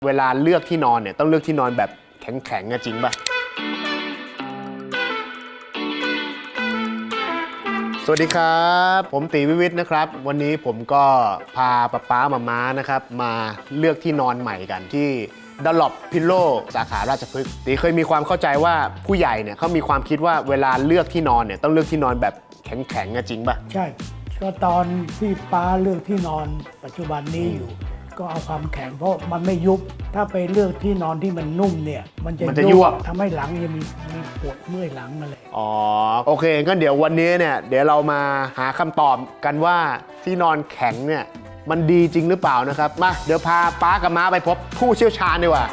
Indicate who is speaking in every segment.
Speaker 1: เวลาเลือกที่นอนเนี่ยต้องเลือกที่นอนแบบแข็งๆจริงป่ะสวัสดีครับผมตีวิวิทย์นะครับวันนี้ผมก็พาป๊ามานะครับมาเลือกที่นอนใหม่กันที่Dunlop Pillow สาขาราชพฤกษ์ตีเคยมีความเข้าใจว่าผู้ใหญ่เนี่ยเขามีความคิดว่าเวลาเลือกที่นอนเนี่ยต้องเลือกที่นอนแบบแข็งๆจริงป่ะ
Speaker 2: ใช่ก็ตอนที่ป้าเลือกที่นอนปัจจุบันนี้อยู่ก็เอาความแข็งเพราะมันไม่ยุบถ้าไปเลือกที่นอนที่มันนุ่มเนี่ยมันจะยุบทำให้หลังยังมีปวดเมื่อยหลังมาเลย
Speaker 1: อ๋อโอเคงั้นเดี๋ยววันนี้เนี่ยเดี๋ยวเรามาหาคำตอบกันว่าที่นอนแข็งเนี่ยมันดีจริงหรือเปล่านะครับมาเดี๋ยวพาป้ากับม้าไปพบผู้เชี่ยวชาญดีกว่า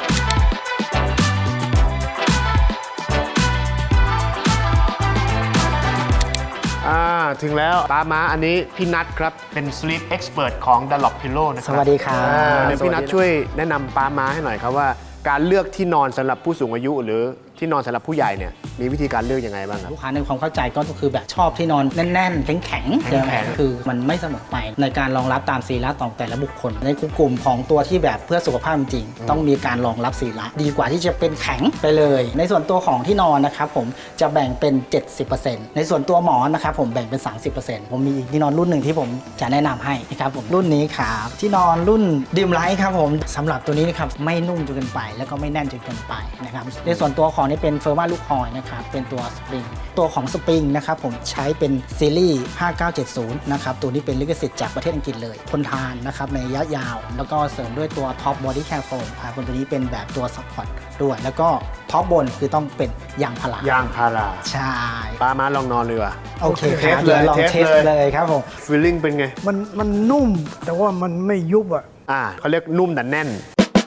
Speaker 1: ถึงแล้วป้าม้าอันนี้พี่นัทครับเป็น Sleep Expert ของ Dunlop Pillow นะครับ
Speaker 3: สวัสดีครับ
Speaker 1: เดี๋ยวพี่นัทช่วยแนะนำป้าม้าให้หน่อยครับว่าการเลือกที่นอนสำหรับผู้สูงอายุหรือที่นอนสำหรับผู้ใหญ่เนี่ยมีวิธีการเลือกยังไงบ้างครับ
Speaker 3: ลูกค้าในความเข้าใจก็คือแบบชอบที่นอนแน่นๆแข็งๆคือมันไม่เสมอไปในการรองรับตามศีละของแต่ละบุคคลในกลุ่มของตัวที่แบบเพื่อสุขภาพจริงต้องมีการรองรับศีละดีกว่าที่จะเป็นแข็งไปเลยในส่วนตัวของที่นอนนะครับผมจะแบ่งเป็น 70% ในส่วนตัวหมอนนะครับผมแบ่งเป็น 30% ผมมีที่นอนรุ่นหนึ่งที่ผมจะแนะนำให้นะครับผมรุ่นนี้ครับที่นอนรุ่นดิมไลท์ครับผมสำหรับตัวนี้นะครับไม่นุ่มจนเกินไปแล้วก็ไม่แน่นจนเกินไปนะครับในส่วนตัวของนี่เป็นเฟอร์มาลูกคอยนะครับเป็นตัวสปริงตัวของสปริงนะครับผมใช้เป็นซีรีส์5970นะครับตัวนี้เป็นลิขสิทธิ์จากประเทศอังกฤษเลยทนทานนะครับในระยะยาวแล้วก็เสริมด้วยตัวท็อปบอดี้แคร์โฟมครับตัวนี้เป็นแบบตัวซัพพอร์ตด้วยแล้วก็ท็อปบนคือต้องเป็นยางพาราย
Speaker 1: างพารา
Speaker 3: ใช่
Speaker 1: ป้าม้าลองนอนเลยว่ะ
Speaker 3: โอเคครับเลยลองเทสเลยครับผม
Speaker 1: ฟีลลิ่งเป็นไง
Speaker 2: มันนุ่มแต่ว่ามันไม่ยุบ
Speaker 1: เขาเรียกนุ่มแต่แน่น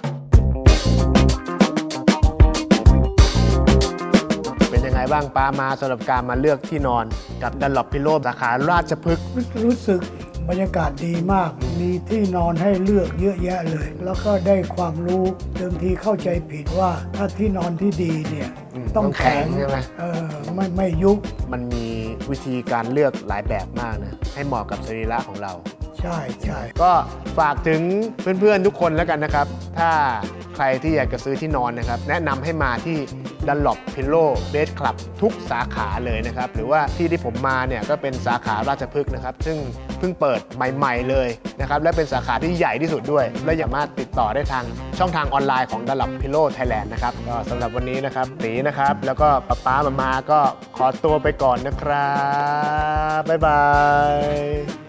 Speaker 1: เป็นยังไงบ้างป้ามาสำหรับการมาเลือกที่นอนกับ Dunlop Pillow สาขาราชพฤกษ์
Speaker 2: รู้สึกบรรยากาศดีมากมีที่นอนให้เลือกเยอะแยะเลยแล้วก็ได้ความรู้เดิมทีเข้าใจผิดว่าถ้าที่นอนที่ดีเนี่ยต้องแข็ง
Speaker 1: ใช่ไหม
Speaker 2: ไม่ยุบ
Speaker 1: มันมีวิธีการเลือกหลายแบบมากนะให้เหมาะกับสรีระของเรา
Speaker 2: ใช่
Speaker 1: ก็ฝากถึงเพื่อนๆทุกคนแล้วกันนะครับถ้าใครที่อยากจะซื้อที่นอนนะครับแนะนำให้มาที่ Dunlop Pillow Bed Club ทุกสาขาเลยนะครับหรือว่าที่ผมมาเนี่ยก็เป็นสาขาราชพฤกษ์นะครับซึ่งเพิ่งเปิดใหม่ๆเลยนะครับและเป็นสาขาที่ใหญ่ที่สุดด้วยและสามารถติดต่อได้ทางช่องทางออนไลน์ของ Dunlop Pillow Thailand นะครับก็สำหรับวันนี้นะครับตีนะครับแล้วก็ป๊ามาก็ขอตัวไปก่อนนะครับบ๊ายบาย